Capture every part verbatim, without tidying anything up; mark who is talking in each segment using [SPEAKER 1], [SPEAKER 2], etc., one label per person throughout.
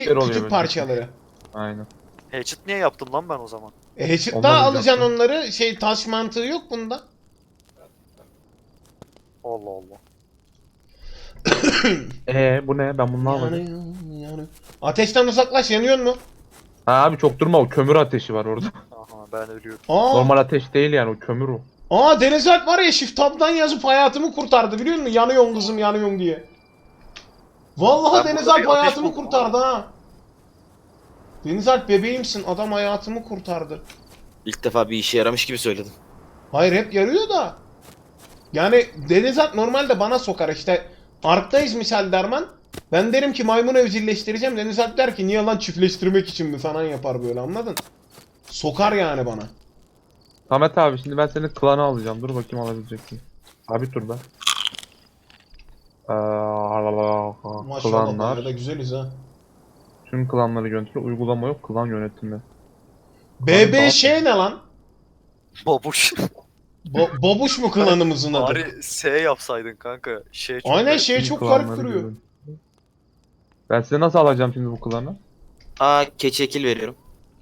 [SPEAKER 1] oluyor
[SPEAKER 2] küçük
[SPEAKER 1] böyle.
[SPEAKER 2] parçaları.
[SPEAKER 1] Aynen.
[SPEAKER 3] Hatchet niye yaptım lan ben o zaman?
[SPEAKER 2] E Hatchet
[SPEAKER 1] Ondan
[SPEAKER 2] daha
[SPEAKER 1] önce
[SPEAKER 2] alacaksın
[SPEAKER 1] yaptım.
[SPEAKER 2] onları. Şey taş mantığı yok bunda.
[SPEAKER 3] Allah Allah.
[SPEAKER 1] Ee bu ne? Ben bunu ne yapacağım?
[SPEAKER 2] Yanıyor, yanıyor. Ateşten uzaklaş, yanıyor mu?
[SPEAKER 1] Ha abi çok durma, o kömür ateşi var orada.
[SPEAKER 3] Aha ben ölüyorum.
[SPEAKER 2] Aa,
[SPEAKER 1] Normal ateş değil yani, o kömür o.
[SPEAKER 2] aa Deniz Alp var ya, shift tab'dan yazıp hayatımı kurtardı biliyor musun? Yanıyorum kızım, yanıyorum diye. Vallahi
[SPEAKER 3] Ben
[SPEAKER 2] Deniz
[SPEAKER 3] burada
[SPEAKER 2] Alp
[SPEAKER 3] bir ateş
[SPEAKER 2] hayatımı
[SPEAKER 3] buldum
[SPEAKER 2] kurtardı ha. Deniz Alp bebeğimsin, adam hayatımı kurtardı.
[SPEAKER 4] İlk defa bir işe yaramış gibi söyledim.
[SPEAKER 2] Hayır, hep yarıyor da. Yani Deniz Alp normalde bana sokar işte. Ark'tayız misal derman. Ben derim ki maymun evcilleştireceğim. Deniz Alp der ki niye lan, çiftleştirmek için mi falan yapar böyle, anladın? Sokar yani bana.
[SPEAKER 1] Samet abi şimdi ben senin klanı alacağım. Dur bakayım alabilecek miyim? Abi dur ben. Ee,
[SPEAKER 2] Maşallah
[SPEAKER 1] klanlar.
[SPEAKER 2] bayağı da güzeliz ha.
[SPEAKER 1] Tüm klanları yönetici uygulama yok. Klan yönetimi.
[SPEAKER 2] B B şey ne lan?
[SPEAKER 3] Babuş.
[SPEAKER 2] Bo Babuş mu klanımızın adı?
[SPEAKER 3] Bari S yapsaydın kanka. Şey çok
[SPEAKER 2] Aynen,
[SPEAKER 3] garip.
[SPEAKER 2] şey
[SPEAKER 1] Tüm
[SPEAKER 2] çok
[SPEAKER 1] klanları
[SPEAKER 2] garip duruyor.
[SPEAKER 1] yönetici. Ben size nasıl alacağım şimdi bu klanı?
[SPEAKER 4] Aa, keçiye kill veriyorum.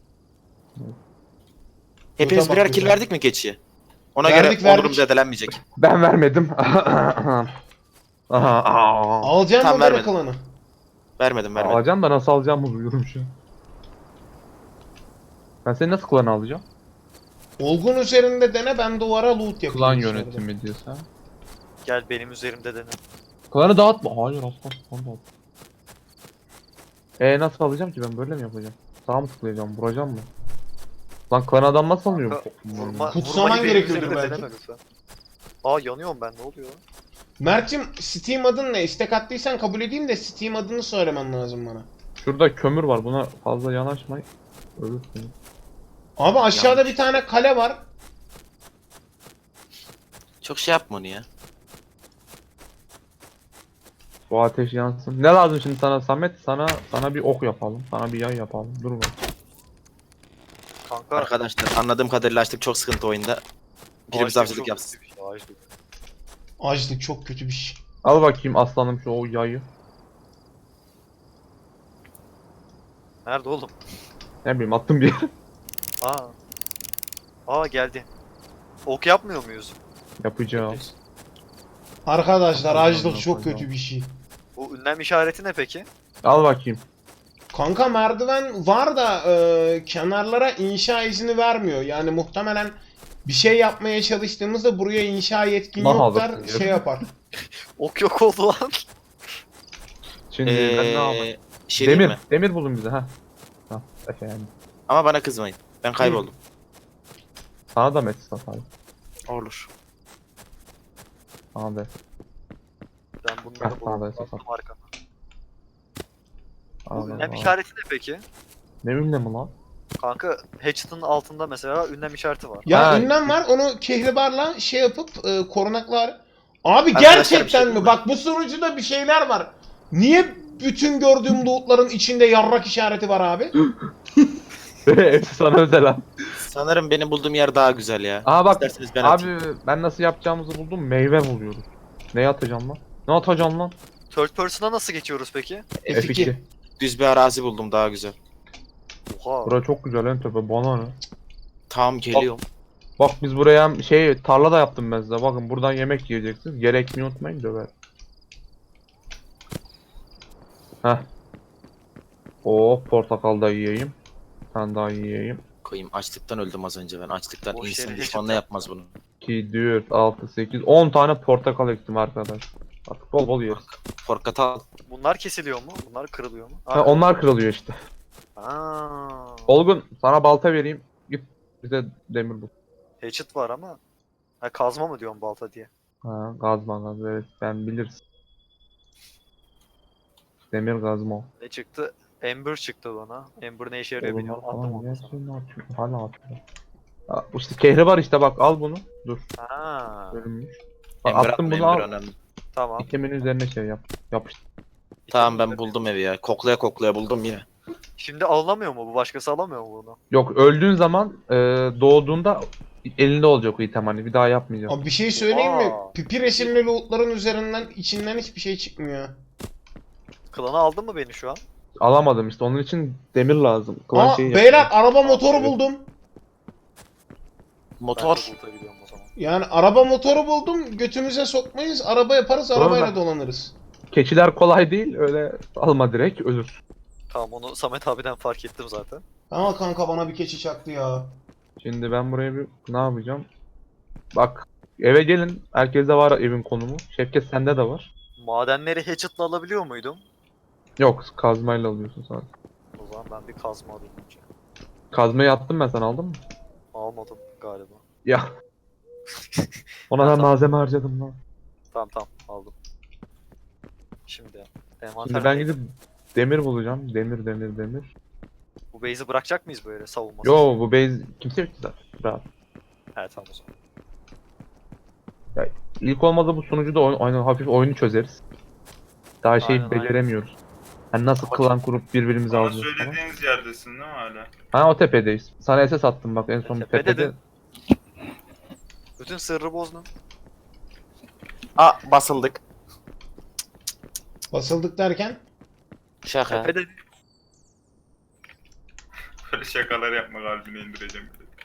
[SPEAKER 4] Hepimiz
[SPEAKER 2] Burada bak
[SPEAKER 4] birer kill
[SPEAKER 2] güzel.
[SPEAKER 4] verdik mi keçiye? Ona
[SPEAKER 2] Verdik,
[SPEAKER 4] göre
[SPEAKER 2] verdik.
[SPEAKER 4] onurum zedelenmeyecek.
[SPEAKER 1] Ben vermedim. Aha, aa.
[SPEAKER 2] Alacaksın
[SPEAKER 4] Tam
[SPEAKER 2] mı böyle
[SPEAKER 4] vermedim.
[SPEAKER 2] klanı?
[SPEAKER 4] Vermedim vermedim.
[SPEAKER 1] Alacağım da nasıl alacağımı bilmiyorum şu an. Ben seni nasıl klanı alacağım?
[SPEAKER 2] Olgun üzerinde dene, ben duvara loot yapayım.
[SPEAKER 1] Klan
[SPEAKER 2] dışarıda.
[SPEAKER 1] yönetimi diyorsa.
[SPEAKER 3] Gel benim üzerimde dene.
[SPEAKER 1] Klanı dağıtma. Hayır asla. Klanı dağıt. Eee nasıl alacağım ki, ben böyle mi yapacağım? Sağ mı tıklayacağım? Vuracağım mı? Lan klan adam nasıl alıyor?
[SPEAKER 3] Kanka, Vurma,
[SPEAKER 2] Kutsaman
[SPEAKER 3] vurmayı benim
[SPEAKER 2] gerekiyordur
[SPEAKER 3] üzerimde
[SPEAKER 2] belki.
[SPEAKER 3] deneme lütfen. Aa yanıyorum ben, ne oluyor lan?
[SPEAKER 2] Mert'cim, Steam adın ne? İstek attıysan kabul edeyim de Steam adını söylemen lazım bana.
[SPEAKER 1] Şurada kömür var. Buna fazla yanaşmayın. Ölürsün.
[SPEAKER 2] Abi aşağıda
[SPEAKER 4] Yanlış.
[SPEAKER 2] bir tane kale var.
[SPEAKER 4] Çok şey yapma onu ya.
[SPEAKER 1] Bu ateş yansın. Ne lazım şimdi sana Samet? Sana sana bir ok yapalım. Sana bir yay yapalım. Dur bak.
[SPEAKER 3] Kanka.
[SPEAKER 4] Arkadaşlar anladığım kadarıyla açtık, çok sıkıntı oyunda. Birimiz
[SPEAKER 3] ağaçlık
[SPEAKER 4] avcılık
[SPEAKER 3] çok
[SPEAKER 4] yapsın.
[SPEAKER 3] kötü bir şey, ağaçlık.
[SPEAKER 2] Açlık çok kötü bir şey.
[SPEAKER 1] Al bakayım aslanım şu o yayı.
[SPEAKER 3] Nerede oğlum?
[SPEAKER 1] Ne bileyim, attım bir yere.
[SPEAKER 3] Aa. Aa geldi. Ok yapmıyor muyuz?
[SPEAKER 1] Yapacağım.
[SPEAKER 2] Arkadaşlar
[SPEAKER 1] Allah'ım,
[SPEAKER 2] açlık çok
[SPEAKER 1] Allah'ım.
[SPEAKER 2] kötü bir şey.
[SPEAKER 3] Bu ünlem işareti ne peki?
[SPEAKER 1] Al bakayım.
[SPEAKER 2] Kanka merdiven var da e, kenarlara inşa izni vermiyor. Yani muhtemelen bir şey yapmaya çalıştığımızda buraya inşa yetkin
[SPEAKER 1] Nah
[SPEAKER 2] yok der,
[SPEAKER 1] alırsın
[SPEAKER 2] şey
[SPEAKER 1] ya.
[SPEAKER 2] yapar.
[SPEAKER 3] Ok yok oldu lan.
[SPEAKER 1] Şimdi ben ne yapayım?
[SPEAKER 4] Ee, şey diyeyim
[SPEAKER 1] Demir.
[SPEAKER 4] mi?
[SPEAKER 1] Demir buldum bize ha. Ha efendim.
[SPEAKER 4] Ama bana kızmayın. Ben kayboldum.
[SPEAKER 1] Sana da mesaj atalım.
[SPEAKER 4] Olur.
[SPEAKER 1] Sana da.
[SPEAKER 3] Ben bunları
[SPEAKER 1] Heh, bana da
[SPEAKER 3] buldum.
[SPEAKER 1] esas
[SPEAKER 3] Baktım arkama. Bu
[SPEAKER 1] Allah
[SPEAKER 3] ünlem
[SPEAKER 1] Allah.
[SPEAKER 3] işareti ne peki?
[SPEAKER 1] Ne ünlemi lan?
[SPEAKER 3] Kanka Hatchet'ın altında mesela ünlem işareti var.
[SPEAKER 2] Ya
[SPEAKER 1] Ha.
[SPEAKER 2] ünlem var, onu kehribarla şey yapıp e, korunaklar. Abi
[SPEAKER 4] Arkadaşlar,
[SPEAKER 2] gerçekten
[SPEAKER 4] bir şey
[SPEAKER 2] mi?
[SPEAKER 4] diyeyim mi?
[SPEAKER 2] Bak bu sunucuda bir şeyler var. Niye bütün gördüğüm lootların içinde yarrak işareti var abi?
[SPEAKER 1] Hepsi sana özel ha.
[SPEAKER 4] Sanırım benim bulduğum yer daha güzel ya.
[SPEAKER 1] Aa bak
[SPEAKER 4] İsterseniz ben
[SPEAKER 1] abi
[SPEAKER 4] atayım.
[SPEAKER 1] ben nasıl yapacağımızı buldum. Meyve buluyoruz. Ne atacağım lan? Ne atacağım lan?
[SPEAKER 3] Third person'a nasıl geçiyoruz peki?
[SPEAKER 2] F iki.
[SPEAKER 4] Düz bir arazi buldum, daha güzel.
[SPEAKER 3] Oha.
[SPEAKER 1] Bura çok güzel en tepe, bana ne?
[SPEAKER 4] Tamam, geliyorum.
[SPEAKER 1] Bak biz buraya hem şey tarla da yaptım ben size. Bakın buradan yemek yiyeceksiniz. Gerekmeyi unutmayın, döver. Heh. Oo portakal da yiyeyim. Sen daha yiyeyim.
[SPEAKER 4] Koyayım, açlıktan öldüm az önce ben. Açlıktan
[SPEAKER 3] Boş
[SPEAKER 4] insan
[SPEAKER 3] yere
[SPEAKER 4] düşmanla
[SPEAKER 3] hiç
[SPEAKER 4] yapmaz bunu.
[SPEAKER 1] iki, dört, altı, sekiz, on tane portakal ektim arkadaş. Artık bol bol yeriz.
[SPEAKER 4] Portakal.
[SPEAKER 3] Bunlar kesiliyor mu? Bunlar kırılıyor mu?
[SPEAKER 1] Ha, onlar kırılıyor işte.
[SPEAKER 3] Aa.
[SPEAKER 1] Olgun sana balta vereyim. Git bize demir bul.
[SPEAKER 3] Hatchet var ama. Ha kazma mı diyorsun balta diye?
[SPEAKER 1] Ha, gazma gaz, evet sen bilirsin. Demir gazma.
[SPEAKER 3] Ne çıktı? Ember çıktı bana. Ember ne işe yarıyor
[SPEAKER 1] Oğlum
[SPEAKER 3] bilmiyorum.
[SPEAKER 1] falan
[SPEAKER 3] Attım onu sana.
[SPEAKER 1] gerçekten atıyor. Hala atıyor. Ha, işte kehri var işte, bak al bunu. Dur.
[SPEAKER 3] Ha.
[SPEAKER 1] Bölünmüş. Bak,
[SPEAKER 4] Ember
[SPEAKER 1] attım
[SPEAKER 4] atma,
[SPEAKER 1] bunu,
[SPEAKER 4] ember
[SPEAKER 1] al.
[SPEAKER 4] önemli.
[SPEAKER 3] Tamam.
[SPEAKER 1] İtemin üzerine şey yap. Yapıştır.
[SPEAKER 4] Tamam, ben buldum evi ya. Koklaya koklaya buldum yine.
[SPEAKER 3] Şimdi alınamıyor mu? Bu başkası alamıyor mu bunu?
[SPEAKER 1] Yok, öldüğün zaman e, doğduğunda elinde olacak o item, hani bir daha yapmayacağım.
[SPEAKER 2] Abi bir şey söyleyeyim mi?
[SPEAKER 3] Aa.
[SPEAKER 2] Pipi resimli lootların üzerinden içinden hiçbir şey çıkmıyor.
[SPEAKER 3] Klanı aldın mı beni şu an?
[SPEAKER 1] Alamadım işte. Onun için demir lazım. Klan
[SPEAKER 2] Aa
[SPEAKER 1] şeyi
[SPEAKER 2] beyler
[SPEAKER 1] yapıyor.
[SPEAKER 2] araba motoru
[SPEAKER 3] Evet.
[SPEAKER 2] buldum.
[SPEAKER 3] Ben
[SPEAKER 4] Motor.
[SPEAKER 3] de Bulut'a gidiyorum o zaman.
[SPEAKER 2] Yani araba motoru buldum. Götümüze sokmayız. Araba yaparız.
[SPEAKER 1] Doğru
[SPEAKER 2] Arabayla
[SPEAKER 1] lan.
[SPEAKER 2] dolanırız.
[SPEAKER 1] Keçiler kolay değil. Öyle alma direkt ölür.
[SPEAKER 3] Tamam onu Samet abiden fark ettim zaten.
[SPEAKER 2] Ama kanka bana bir keçi çaktı ya.
[SPEAKER 1] Şimdi ben buraya bir ne yapacağım? Bak eve gelin. Herkeste var evin konumu. Şevket sende de var.
[SPEAKER 3] Madenleri hatchet'la alabiliyor muydum?
[SPEAKER 1] Yok kazmayla alıyorsun sadece.
[SPEAKER 3] O zaman ben bir kazma alayım önce.
[SPEAKER 1] Kazmayı attım ben, sen aldın mı?
[SPEAKER 3] Almadım galiba.
[SPEAKER 1] Ya. Ona da malzeme harcadım lan.
[SPEAKER 3] Tamam tamam aldım. Şimdi envanter
[SPEAKER 1] Şimdi ben
[SPEAKER 3] neydi?
[SPEAKER 1] gidip demir bulacağım. Demir demir demir.
[SPEAKER 3] Bu base'i bırakacak mıyız böyle savunmasız?
[SPEAKER 1] Yo bu base kimse yok ki zaten. Rahat.
[SPEAKER 3] He tamam o zaman.
[SPEAKER 1] İlk olmadı bu sunucuda oyun, oyun- hafif oyunu çözeriz. Daha şeyi
[SPEAKER 3] Aynen, aynen.
[SPEAKER 1] beceremiyoruz. Hani nasıl klan kurup birbirimizi
[SPEAKER 5] Bana
[SPEAKER 1] alacağız falan.
[SPEAKER 5] söylediğiniz yerdesin değil mi hala?
[SPEAKER 1] Ha o tepedeyiz. Sana S S attım bak en son
[SPEAKER 3] Tepede
[SPEAKER 1] tepede.
[SPEAKER 3] de- Bütün sırrı bozdun.
[SPEAKER 4] Aa basıldık.
[SPEAKER 2] Basıldık derken.
[SPEAKER 4] Şaka.
[SPEAKER 3] Tepede
[SPEAKER 5] Böyle şakalar yapma, kalbine indireceğim.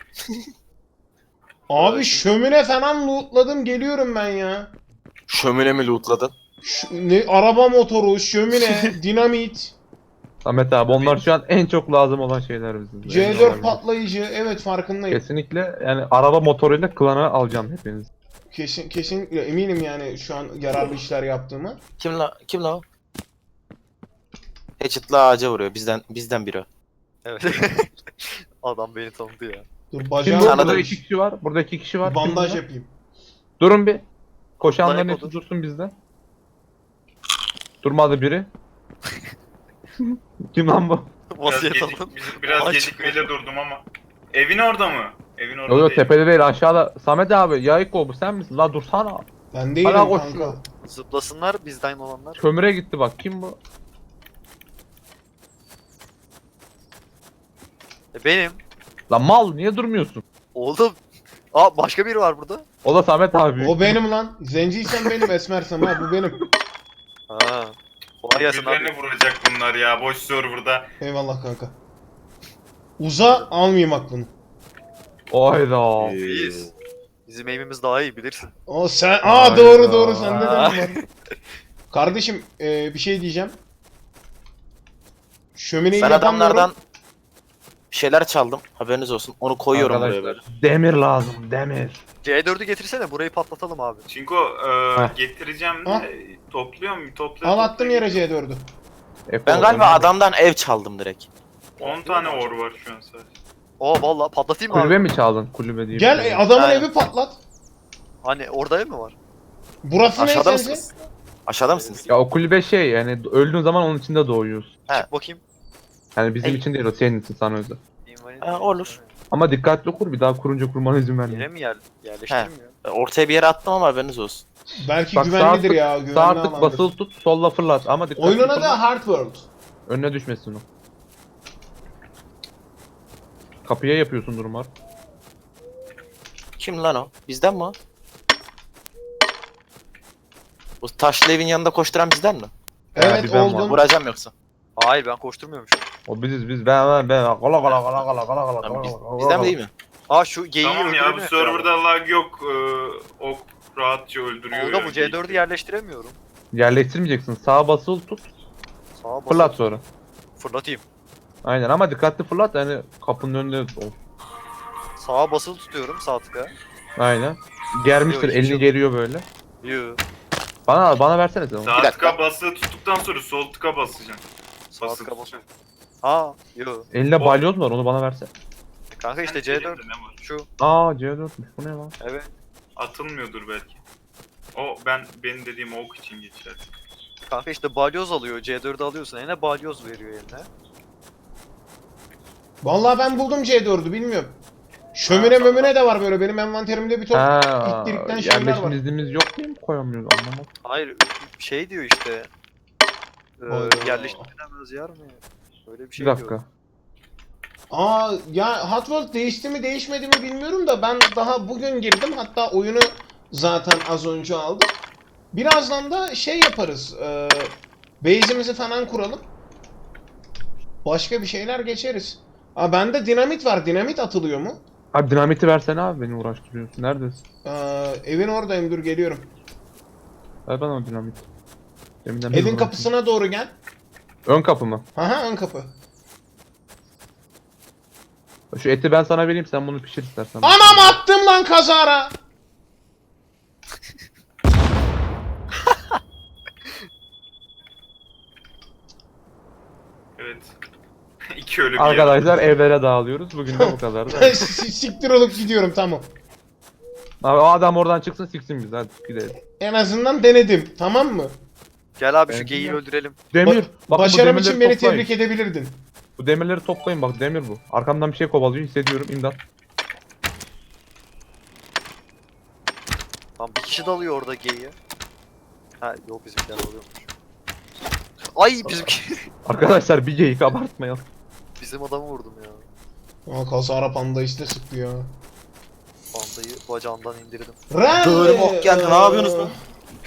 [SPEAKER 2] Abi
[SPEAKER 3] Evet.
[SPEAKER 2] şömine falan lootladım. Geliyorum ben ya.
[SPEAKER 4] Şömine mi lootladın?
[SPEAKER 2] Şu, ne, araba motoru, şömine, dinamit,
[SPEAKER 1] Samet abi onlar şu an en çok lazım olan şeyler bizim.
[SPEAKER 2] C dört patlayıcı. Evet farkındayım.
[SPEAKER 1] Kesinlikle yani araba motoruyla klana alacağım hepiniz.
[SPEAKER 2] Kesin kesinlikle eminim yani şu an yararlı işler yaptığımı.
[SPEAKER 4] Kim la kim la o? Hatchet'la ağaca vuruyor. Bizden bizden biri. o.
[SPEAKER 3] evet. Adam beni tanıdı ya.
[SPEAKER 2] Dur
[SPEAKER 1] Şimdi
[SPEAKER 2] bacağım
[SPEAKER 1] burada
[SPEAKER 4] Tanıdım.
[SPEAKER 1] iki kişi var. Burada iki kişi var. Kim
[SPEAKER 2] bandaj
[SPEAKER 1] bunlar?
[SPEAKER 2] yapayım.
[SPEAKER 1] Durun bir. Koşanların
[SPEAKER 3] Bunlar
[SPEAKER 1] hepsi
[SPEAKER 3] hep
[SPEAKER 1] dursun bizde. Durmadı biri. Kim lan bu?
[SPEAKER 5] Biraz,
[SPEAKER 3] Vasiyet
[SPEAKER 5] gecik,
[SPEAKER 3] alın.
[SPEAKER 5] biraz
[SPEAKER 3] Aç.
[SPEAKER 5] gecikmeyle durdum ama. Evin orada mı? Evin orada
[SPEAKER 1] Yok yok
[SPEAKER 5] değil.
[SPEAKER 1] tepede değil aşağıda. Samet abi Yayıko bu sen misin? La dursana.
[SPEAKER 2] Ben değilim
[SPEAKER 1] Hala
[SPEAKER 2] kanka.
[SPEAKER 1] koşuyor.
[SPEAKER 3] Zıplasınlar bizden olanlar.
[SPEAKER 1] Kömüre gitti bak kim bu?
[SPEAKER 3] E, benim.
[SPEAKER 1] Lan mal niye durmuyorsun?
[SPEAKER 3] Oğlum. Aa başka biri var burada.
[SPEAKER 1] O da Samet abi.
[SPEAKER 2] O benim lan. Zenciysen benim, esmersem ha bu benim.
[SPEAKER 3] Ha. Kolay gelsin abi.
[SPEAKER 5] Birbirlerini vuracak bunlar ya, boş serverda.
[SPEAKER 2] Eyvallah kanka. Uza almayayım aklını.
[SPEAKER 1] Oyda.
[SPEAKER 3] İyiyiz. Bizim aim'imiz daha iyi bilirsin.
[SPEAKER 2] O sen... Aa
[SPEAKER 1] Hayda.
[SPEAKER 2] doğru doğru sende de mi var? Kardeşim e, bir şey diyeceğim. Şömineyi
[SPEAKER 4] Ben
[SPEAKER 2] yapamıyorum.
[SPEAKER 4] adamlardan bir şeyler çaldım. Haberiniz olsun. Onu koyuyorum buraya böyle.
[SPEAKER 1] Arkadaşlar demir lazım demir.
[SPEAKER 3] C dördü getirsene burayı patlatalım abi.
[SPEAKER 5] Çinko e,
[SPEAKER 1] Heh.
[SPEAKER 5] getireceğim
[SPEAKER 2] Ah.
[SPEAKER 5] de topluyor mu? Topla.
[SPEAKER 2] Al attım yere C dördü.
[SPEAKER 1] Eko,
[SPEAKER 4] Ben galiba
[SPEAKER 1] demir.
[SPEAKER 4] adamdan ev çaldım direkt.
[SPEAKER 5] on tane or var şu an sadece.
[SPEAKER 3] Oo vallahi patlatayım mı
[SPEAKER 1] Kulübe
[SPEAKER 3] abi?
[SPEAKER 1] mi çaldın? Kulübe değil.
[SPEAKER 2] Gel e, adamın
[SPEAKER 4] Aynen.
[SPEAKER 2] evi patlat.
[SPEAKER 3] Hani orada ev mi var?
[SPEAKER 2] Burası ne
[SPEAKER 4] Aşağıda
[SPEAKER 2] sence?
[SPEAKER 4] mısınız? Aşağıda mısınız?
[SPEAKER 1] Ya o kulübe şey yani öldüğün zaman onun içinde doğuyorsun.
[SPEAKER 4] He.
[SPEAKER 3] Çık bakayım.
[SPEAKER 1] Yani bizim
[SPEAKER 4] Ey.
[SPEAKER 1] için değil o senin için sana özel.
[SPEAKER 3] Invalid-
[SPEAKER 4] Ha, olur.
[SPEAKER 1] Ama dikkatli kur bir daha kurunca kurmana izin
[SPEAKER 3] Yere
[SPEAKER 1] verme.
[SPEAKER 3] mi yer, yerleştireyim ya?
[SPEAKER 4] Ortaya bir yere attım ama haberiniz olsun.
[SPEAKER 2] Belki
[SPEAKER 1] Bak
[SPEAKER 2] güvenlidir
[SPEAKER 1] sağ
[SPEAKER 2] ya.
[SPEAKER 1] tık,
[SPEAKER 2] Güvenli
[SPEAKER 1] sağ tık
[SPEAKER 2] alandır.
[SPEAKER 1] basılı tut solla fırlat ama dikkatli
[SPEAKER 2] Oyunun adı
[SPEAKER 1] fırlat.
[SPEAKER 2] Hard World.
[SPEAKER 1] Önüne düşmesin o. Kapıya yapıyorsun durumlar.
[SPEAKER 4] Kim lan o? Bizden mi o? Bu taşlı evin yanında koşturan bizden mi?
[SPEAKER 2] Evet
[SPEAKER 1] bir ben
[SPEAKER 2] oldun.
[SPEAKER 1] varım.
[SPEAKER 4] Vuracağım yoksa.
[SPEAKER 3] Hayır ben koşturmuyorum şu an.
[SPEAKER 1] O biziz biz ben ben ben kola kola kola kola kola kola
[SPEAKER 4] Lan biz-
[SPEAKER 1] kola
[SPEAKER 4] bizden mi değil mi?
[SPEAKER 3] Aa şu geyiği
[SPEAKER 5] Tamam ya, bu
[SPEAKER 3] öldüremiyorum.
[SPEAKER 5] serverda lag yok. E, ok rahatça öldürüyor.
[SPEAKER 3] Orada
[SPEAKER 5] yani.
[SPEAKER 3] bu C dördü yerleştiremiyorum.
[SPEAKER 1] Yerleştirmeyeceksin. Sağa basılı tut.
[SPEAKER 3] Sağa basıp
[SPEAKER 1] Fırlat sonra.
[SPEAKER 3] fırlatayım.
[SPEAKER 1] Aynen ama dikkatli fırlat yani kapının önünde ol.
[SPEAKER 3] Sağa basılı tutuyorum sağ tıka.
[SPEAKER 1] Aynen. Germiştir
[SPEAKER 3] Yok, hiç
[SPEAKER 1] elini
[SPEAKER 3] yok.
[SPEAKER 1] geriyor böyle.
[SPEAKER 3] Yoo.
[SPEAKER 1] Bana bana versene sen onu.
[SPEAKER 5] Sağ
[SPEAKER 4] Bir dakika.
[SPEAKER 5] tıka basılı tuttuktan sonra sol tıka basacaksın.
[SPEAKER 3] Sağ
[SPEAKER 5] Basılı
[SPEAKER 3] tıka
[SPEAKER 5] tut.
[SPEAKER 3] basıyorum. Ha yo.
[SPEAKER 1] Elinde
[SPEAKER 5] O-
[SPEAKER 1] balyoz var onu bana verse.
[SPEAKER 3] Kanka işte
[SPEAKER 5] Senin
[SPEAKER 3] C dört.
[SPEAKER 5] elinde ne var?
[SPEAKER 3] Şu.
[SPEAKER 1] Aa C dörtmüş bu ne lan?
[SPEAKER 3] Evet.
[SPEAKER 5] Atılmıyordur belki. O ben benim dediğim ok için geçer.
[SPEAKER 3] Kanka işte balyoz alıyor. C dördü alıyorsun. Eline balyoz veriyor eline.
[SPEAKER 2] Vallahi ben buldum C dördü bilmiyorum. Şömine
[SPEAKER 5] Ha,
[SPEAKER 2] mömine de var böyle benim envanterimde bir top.
[SPEAKER 1] Ha,
[SPEAKER 2] ittirikten şeyler
[SPEAKER 1] yerleşim
[SPEAKER 2] var.
[SPEAKER 1] iznimiz yok diye mi koyamıyoruz anlamadım.
[SPEAKER 3] Hayır şey diyor işte. E,
[SPEAKER 2] Hayda.
[SPEAKER 3] yerleştirilemez yer mi? Öyle bir
[SPEAKER 1] Bir
[SPEAKER 3] şey
[SPEAKER 1] dakika.
[SPEAKER 3] diyor.
[SPEAKER 2] Aa ya Hot World değişti mi değişmedi mi bilmiyorum da ben daha bugün girdim. Hatta oyunu zaten az önce aldım. Birazdan da şey yaparız. E, base'imizi falan kuralım. Başka bir şeyler geçeriz. Aa bende dinamit var. Dinamit atılıyor mu?
[SPEAKER 1] Abi dinamiti versene abi, beni uğraştırıyorsun. Neredesin?
[SPEAKER 2] Aa, evin oradayım, dur geliyorum.
[SPEAKER 1] Ver bana o dinamit. Deminden beri
[SPEAKER 2] Evin
[SPEAKER 1] uğraşıyorum.
[SPEAKER 2] kapısına doğru gel.
[SPEAKER 1] Ön kapı mı?
[SPEAKER 2] Aha ön kapı.
[SPEAKER 1] Şu eti ben sana vereyim, sen bunu pişir istersen.
[SPEAKER 2] Anam attım lan kazara.
[SPEAKER 5] Evet. İki ölü bir
[SPEAKER 1] Arkadaşlar evlere dağılıyoruz. Bugün de bu kadar. Da.
[SPEAKER 2] S- Siktir olup gidiyorum, tamam.
[SPEAKER 1] Abi o adam oradan çıksın, siksin bizi, hadi gidelim.
[SPEAKER 2] En azından denedim, tamam mı?
[SPEAKER 3] Gel abi şu
[SPEAKER 1] Ben
[SPEAKER 3] geyiği
[SPEAKER 1] bilmiyorum.
[SPEAKER 3] öldürelim.
[SPEAKER 1] Demir.
[SPEAKER 2] Ba-
[SPEAKER 1] Bak, bu
[SPEAKER 2] Başarım
[SPEAKER 1] demirleri
[SPEAKER 2] için beni
[SPEAKER 1] toplayın.
[SPEAKER 2] tebrik edebilirdin.
[SPEAKER 1] Bu demirleri toplayın, bak demir bu. Arkamdan bir şey kovalıyor, hissediyorum, imdat.
[SPEAKER 3] Tam bir kişi dalıyor orada geyiğe. Ha yok bizimkiler oluyormuş. Ay bizimki.
[SPEAKER 1] Arkadaşlar bir geyik abartmayalım.
[SPEAKER 3] Bizim adamı vurdum ya.
[SPEAKER 2] Aa kazara panda işte sıktı ya.
[SPEAKER 3] Pandayı bacağından indirdim.
[SPEAKER 2] Randy,
[SPEAKER 4] Böğrüm ok geldi, ne yapıyorsunuz lan?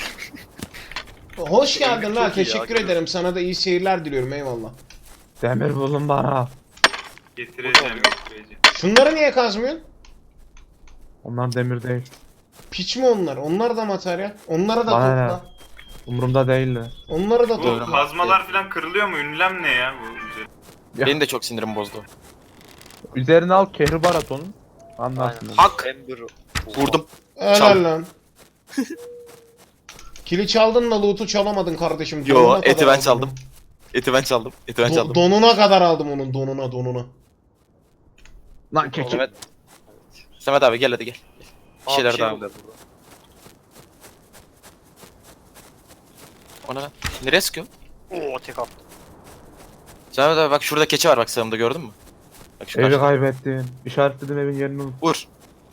[SPEAKER 2] Hoş geldin
[SPEAKER 3] Çok
[SPEAKER 2] lan,
[SPEAKER 3] iyi ya,
[SPEAKER 2] teşekkür
[SPEAKER 3] görüyorum.
[SPEAKER 2] ederim. Sana da iyi seyirler diliyorum, eyvallah.
[SPEAKER 1] Demir bulun bana.
[SPEAKER 5] Getireceğim getireceğim.
[SPEAKER 2] Şunları niye kazmıyorsun?
[SPEAKER 1] Onlar demir değil.
[SPEAKER 2] Piç mi onlar? Onlar da materyal. Onlara da
[SPEAKER 1] Bana
[SPEAKER 2] topla.
[SPEAKER 1] Umurumda değiller.
[SPEAKER 2] Onları da
[SPEAKER 5] Bu
[SPEAKER 2] topla.
[SPEAKER 5] kazmalar falan kırılıyor mu? Ünlem ne ya? Bu güzel.
[SPEAKER 1] Ya.
[SPEAKER 4] Benim de çok sinirim bozdu.
[SPEAKER 1] Üzerine al kehribar at onun. Anlarsın.
[SPEAKER 3] Aynen.
[SPEAKER 4] Hak.
[SPEAKER 3] Ember.
[SPEAKER 4] Vurdum.
[SPEAKER 2] Helal
[SPEAKER 4] Çal.
[SPEAKER 2] lan. Kili çaldın da loot'u çalamadın kardeşim.
[SPEAKER 4] Yo,
[SPEAKER 2] Donuna
[SPEAKER 4] eti
[SPEAKER 2] kadar
[SPEAKER 4] ben
[SPEAKER 2] aldım
[SPEAKER 4] çaldım.
[SPEAKER 2] onu.
[SPEAKER 4] Eti ben çaldım. Eti ben
[SPEAKER 2] Do-
[SPEAKER 4] çaldım.
[SPEAKER 2] donuna kadar aldım onun, donuna donuna.
[SPEAKER 1] Lan keçi.
[SPEAKER 4] Samet. Samet abi gel hadi gel. Bir
[SPEAKER 3] Aa,
[SPEAKER 4] şeyler
[SPEAKER 3] şey
[SPEAKER 4] daha.
[SPEAKER 3] oluyor burada.
[SPEAKER 4] O ne lan? Nereye sıkıyor?
[SPEAKER 3] Oo tek attım.
[SPEAKER 4] Samet abi bak şurada keçi var bak sağımda, gördün mü? Bak şu
[SPEAKER 1] Evi
[SPEAKER 4] karşıda.
[SPEAKER 1] kaybettim. İşaretledim evin yerini unut.
[SPEAKER 4] Vur.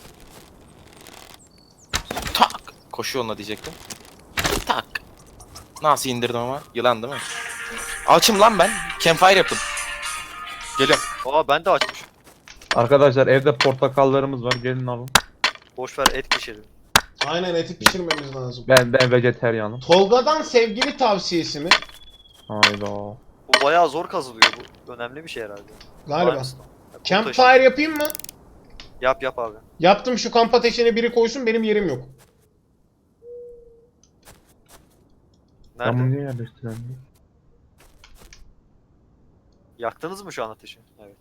[SPEAKER 4] Tak. Koşuyor onunla diyecektim. Tak. Nasıl indirdim ama? Yılan değil mi? Açım lan ben. Campfire yaptım. Geliyorum.
[SPEAKER 3] Aa ben de açmışım.
[SPEAKER 1] Arkadaşlar evde portakallarımız var, gelin alın.
[SPEAKER 3] Boş ver et pişirelim.
[SPEAKER 2] Aynen, eti pişirmemiz lazım.
[SPEAKER 1] Ben ben vejeteryanım.
[SPEAKER 2] Tolga'dan sevgili tavsiyesi mi?
[SPEAKER 1] Hayda.
[SPEAKER 3] Bu bayağı zor kazılıyor bu. Önemli bir şey herhalde.
[SPEAKER 2] Galiba.
[SPEAKER 3] Limestone. Ya, kum
[SPEAKER 2] Campfire
[SPEAKER 3] taşı.
[SPEAKER 2] yapayım mı?
[SPEAKER 3] Yap yap abi.
[SPEAKER 2] Yaptım, şu kamp ateşine biri koysun, benim yerim yok.
[SPEAKER 1] Ben bunu
[SPEAKER 3] Nerede?
[SPEAKER 1] niye yerleştiremiyorum?
[SPEAKER 3] Yaktınız mı şu an ateşi? Evet.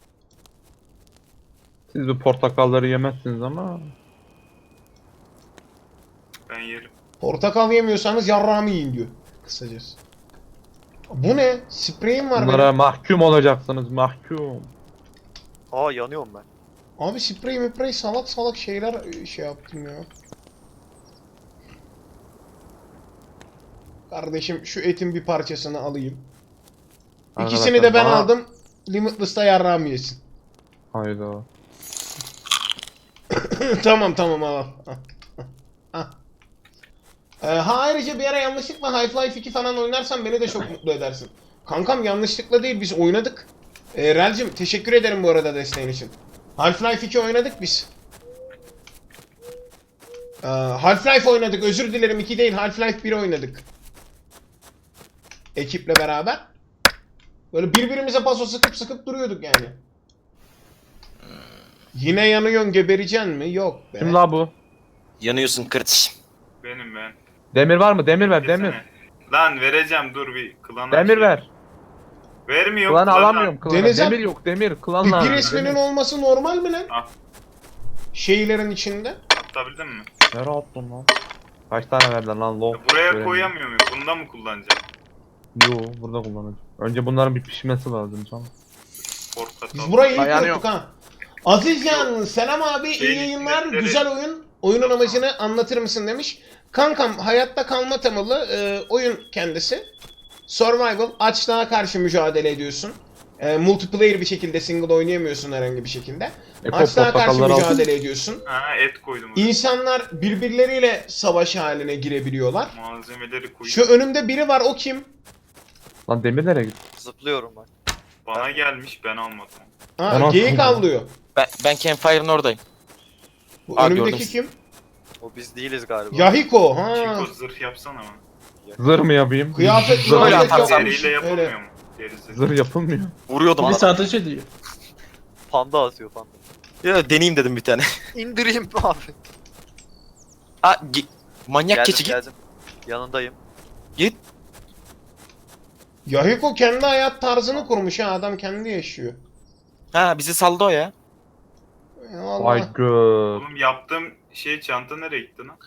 [SPEAKER 1] Siz bu portakalları yemezsiniz ama.
[SPEAKER 5] Ben yerim.
[SPEAKER 2] Portakal yemiyorsanız yarrağımı yiyin diyor. Kısacası. Bu ne? Spreyim var
[SPEAKER 1] Bunlara
[SPEAKER 2] benim.
[SPEAKER 1] mahkum olacaksınız, mahkum.
[SPEAKER 3] Aa yanıyorum ben.
[SPEAKER 2] Abi sprey müprey salak salak şeyler şey yaptım ya. Kardeşim şu etin bir parçasını alayım. İkisini de ben
[SPEAKER 1] Arkadaşlar, bana-
[SPEAKER 2] aldım. Limitless'ta yarrağımı yesin.
[SPEAKER 1] Hayda.
[SPEAKER 2] Tamam tamam al. al. Ah. Ee, ha ayrıca bir ara yanlışlıkla Half-Life iki falan oynarsan beni de çok mutlu edersin. Kankam yanlışlıkla değil, biz oynadık. Ee, Relcim teşekkür ederim bu arada desteğin için. Half-Life iki oynadık biz. Ee, Half-Life oynadık, özür dilerim, iki değil Half-Life bir oynadık. Ekiple beraber. Böyle birbirimize paso sıkıp sıkıp duruyorduk yani. Yine yanıyorsun, gebereceksin mi? Yok be.
[SPEAKER 1] Kim la bu?
[SPEAKER 4] Yanıyorsun kırç.
[SPEAKER 5] Benim ben.
[SPEAKER 1] Demir var mı? Demir ver,
[SPEAKER 5] Desene.
[SPEAKER 1] demir.
[SPEAKER 5] Lan vereceğim dur bir klana.
[SPEAKER 1] Demir
[SPEAKER 5] şey-
[SPEAKER 1] ver.
[SPEAKER 5] Vermiyor.
[SPEAKER 1] Klanı
[SPEAKER 5] klana.
[SPEAKER 1] alamıyorum klana.
[SPEAKER 2] Deniz
[SPEAKER 1] Demir
[SPEAKER 2] yap-
[SPEAKER 1] yok, demir. Klan
[SPEAKER 2] Bir,
[SPEAKER 1] lazım.
[SPEAKER 2] bir resminin
[SPEAKER 1] demir.
[SPEAKER 2] olması normal mi lan?
[SPEAKER 5] Al.
[SPEAKER 2] Şeylerin içinde.
[SPEAKER 5] Atabildin mi?
[SPEAKER 1] Nereye attın lan? Kaç tane verdin lan lol?
[SPEAKER 5] Ya buraya
[SPEAKER 1] Göremiyorum.
[SPEAKER 5] koyamıyor muyum? Bunda mı kullanacağım?
[SPEAKER 1] Yo, burada kullanacağım. Önce bunların bir pişmesi lazım canım.
[SPEAKER 5] Portakal.
[SPEAKER 2] Biz burayı ilk
[SPEAKER 1] Ayağını
[SPEAKER 2] unuttuk ha. Azizcan selam abi, iyi
[SPEAKER 5] Şey,
[SPEAKER 2] yayınlar,
[SPEAKER 5] hizmetleri-
[SPEAKER 2] güzel oyun. Oyunun amacını anlatır mısın demiş. Kankam hayatta kalma temalı e, oyun kendisi. Survival, açlığa karşı mücadele ediyorsun. E, multiplayer bir şekilde, single oynayamıyorsun herhangi bir şekilde.
[SPEAKER 1] Eko
[SPEAKER 2] Açlığa karşı
[SPEAKER 1] portakalları al.
[SPEAKER 2] mücadele ediyorsun.
[SPEAKER 5] Ha et koydum. oraya.
[SPEAKER 2] İnsanlar birbirleriyle savaş haline girebiliyorlar.
[SPEAKER 5] Malzemeleri koydum.
[SPEAKER 2] Şu önümde biri var, o kim?
[SPEAKER 1] Lan demir nereye gitti?
[SPEAKER 3] Zıplıyorum ben.
[SPEAKER 5] Bana gelmiş ben almadım.
[SPEAKER 2] Ha,
[SPEAKER 1] Ona
[SPEAKER 2] geyik
[SPEAKER 1] koydum.
[SPEAKER 2] avlıyor.
[SPEAKER 4] Ben, ben Campfire'ın oradayım.
[SPEAKER 2] Bu
[SPEAKER 4] Aa,
[SPEAKER 2] önümdeki
[SPEAKER 4] gördüm.
[SPEAKER 2] kim?
[SPEAKER 3] O biz değiliz galiba.
[SPEAKER 2] Yahiko. Ha.
[SPEAKER 5] Çinko zırh yapsana bana.
[SPEAKER 1] Zırh mı yapayım?
[SPEAKER 2] Kıyafet
[SPEAKER 1] Zırh
[SPEAKER 2] kıyafet
[SPEAKER 4] atarsan
[SPEAKER 2] yapmış.
[SPEAKER 5] Deriyle yapılmıyor
[SPEAKER 2] Öyle.
[SPEAKER 5] mu? Gerizekalı.
[SPEAKER 1] Zırh yapılmıyor.
[SPEAKER 4] Vuruyordum
[SPEAKER 6] Bir
[SPEAKER 4] adam.
[SPEAKER 6] saat ediyor.
[SPEAKER 3] Panda atıyor panda.
[SPEAKER 4] Ya deneyeyim dedim bir tane.
[SPEAKER 3] İndireyim abi.
[SPEAKER 4] Aa, gi- manyak
[SPEAKER 3] Geldim
[SPEAKER 4] keçi git.
[SPEAKER 3] geldim. Yanındayım.
[SPEAKER 4] Git.
[SPEAKER 2] Yahiko kendi hayat tarzını kurmuş ha, adam kendi yaşıyor.
[SPEAKER 4] Ha bizi saldı o ya.
[SPEAKER 2] Ya Allah.
[SPEAKER 1] Vay gö.
[SPEAKER 5] Oğlum yaptığım şey çanta nereye gitti lan?